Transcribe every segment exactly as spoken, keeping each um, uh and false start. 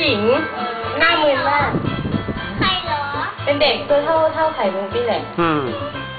ญิงหน้ามึนมากใครเหรอเป็นเด็กตัวเท่าเท่าไข่มุกนี่แหละอืม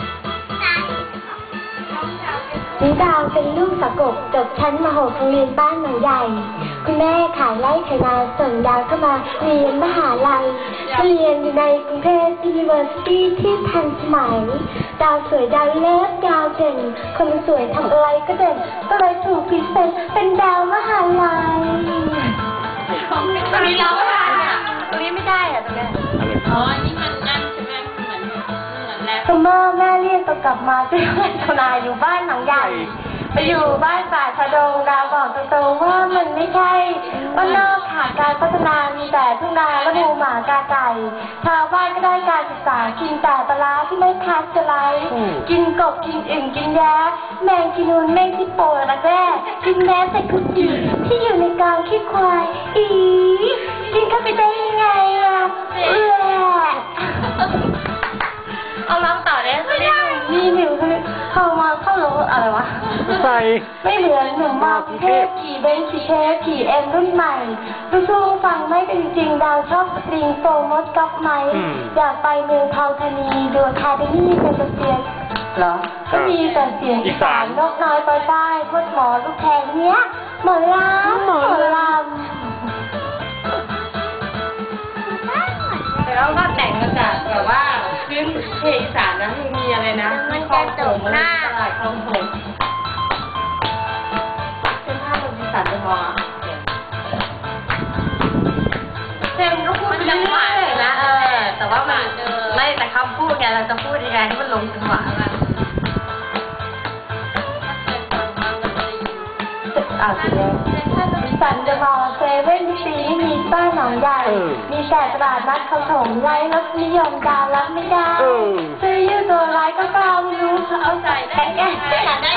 นิดาวเป็นลูกสะกบจบชั้นมหกโรงเรียนบ้านหนองใหญ่คุณแม่ขายไร่ขายนาส่งดาวเข้ามาเรียนมหาลัยมาเรียนอยู่ในกรุงเทพ University ที่ทันสมัยดาวสวยดาวเล็บดาวเด่นคนสวยทำอะไรก็เด่นก็เลยถูกพิเศษเป็นดาวมหาลัยตรงนี้เราไม่ได้อ่ะตรงนี้ไม่ได้อ่ะตรงนี้อ๋อนี่มันนั่นใช่ไหมเหมือนเหมือนแล้วซัมเมอร์แม่เรียกตัวกลับมาที่บ้านทนายอยู่บ้านหนองใหญ่ไปอยู่บ้านป่าชะดงดาวบอกตรงๆว่ามันไม่ใช่ว่านอกขาดการพัฒนามีแต่ทุ่งนาและหมูหมากาไก่ชาวบ้านก็ได้การศึกษากินแต่ปลาที่ไม่พัดจะไหลกินกบกินอึ่งกินแย้แมงกินนูนแมงที่โปรระแร่กินแม้แต่คุกกี้ที่อยู่ในกองขี้ควายอีกินเข้าไปได้ยังไงอ่ะเออเอาร้องต่อได้ไม่ได้นี่หนูเข้ามาเข้าโลอะไรวะใส่ไม่เหมือนหนุ่มมากเทพขี่เบนขี่เทปขี่เอ็มรุ่นใหม่สู้ๆฟังไม่เป็นจริงดาวชอบสตริงโฟมดก๊อปไหมอยากไปเมืองเทาธานีดูคาเดมี่เป็นเสียงเหรอก็มีแต่เสียงอีสานนกน้อยปลอยใต้พดหมอลูกแทงเนี้ยหมอลำหมอลำแล้วก็แต่งมาจากแบบว่าพื้นเพลงอีสานนะมีอะไรนะมันจะจบหน้าตลาดคลองผมเป็นภาพแบบอีสานเลยมองเพลงก็พูดจังหวะเลยนะเออแต่ว่ามันไม่แต่คำพูดไงเราจะพูดยังไงให้มันลงจังหวะมันอ่าสิแล้วสันจะมองเซเว่นซีมีบ้านหนองใหญ่มีแต่ตลาดนัดเขาถมไร้รสนิยมดาวรับไม่ได้ซื้อยืดตัวร้ายก็กล้าไม่รู้เอาใส่ได้แก่ได้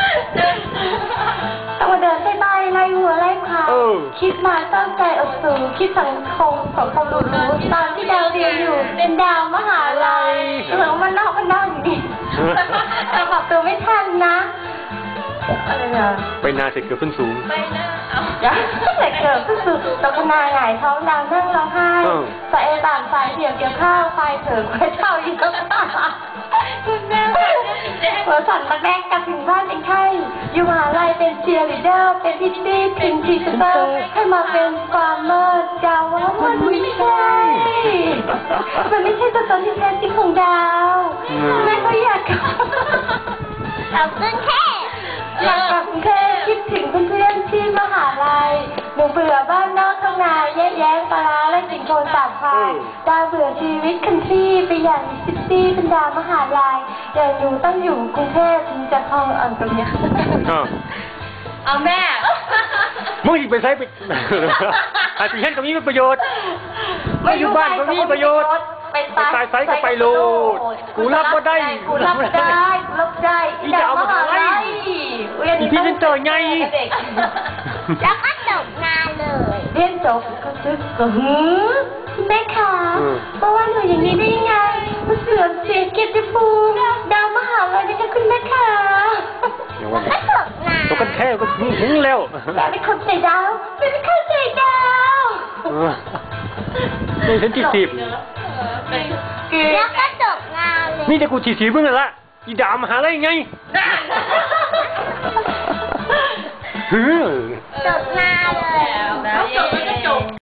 ต้องมาเดินใต้ใต้ไล่หัวไล่ขาคิดมาตั้งใจอดสูงคิดสังคมของความรู้รู้ตอนที่ดาวเรียนอยู่เป็นดาวมหาลัยเหมือนมันนอกมันนอกอยู่ดีแต่ปรับตัวไม่ทันนะอะไรเนี่ยไปนาเสร็จเกือบขึ้นสูงไปนะเอาเสร็จเกือบขึ้นสูงตกนาหงายท้องดาวนั่งร้องไห้ใส่ต่างสายเดี่ยวเกี่ยวข้าวไฟเถื่อนไฟเท่าอีกแล้วคุณแม่หัวสั่นมาแรกกลับถึงบ้านเป็นไข้อยู่มหาลัยเป็นเชียร์ลีดเดอร์เป็นพิตตี้พิมพ์ทีเตอร์ให้มาเป็นฟาร์มเมอร์ดาวว่ามันไม่ใช่มันไม่ใช่ตัวตนที่แท้จริงของดาวแม่ก็อยากเอาขึ้นแค่อยากกลับกรุงเทพคิดถึงเพื่อนๆที่มหาลัยหนูเบื่อบ้านนอกท้องนาแย่แย้งปลาและสิ่งโคลนสาดพายดาวเบื่อชีวิตคันทรีไปอย่างซิตี้เป็นดาวมหาลัยอย่างหนูต้องอยู่กรุงเทพถึงจะคลองอ่อนตรงนี้เอาแม่มึงอีกไปใช้ไปอาจจะเห็นตรงนี้เป็นประโยชน์ไม่อยู่บ้านตรงนี้ประโยชน์ไปตายไซก็ไปโลดกูรับก็ได้กูรับได้กูรับได้อีจะเอามาหาอะไรอีพี่เป็นเจอไงแล้วก็จบงานเลยเรียนจบก็ซึกก็หือแม่ค่ะเพราะว่าหนูอย่างนี้ได้ยังไงมันเสื่อมเสียเกียรติภูมิดาวมหาลัยนี่ค่ะคุณแม่ค่ะก็จบงานตกกันแค่ก็หึงแล้วแต่ไม่เข้าใจดาวไม่เข้าใจดาวนี่ฉันจีบจีบแล้วก็จบงานเลยนี่จะกูจีบจีบมึงละอีดามหาอะไรไงจบงานเลยเขาจบแล้วก็จบ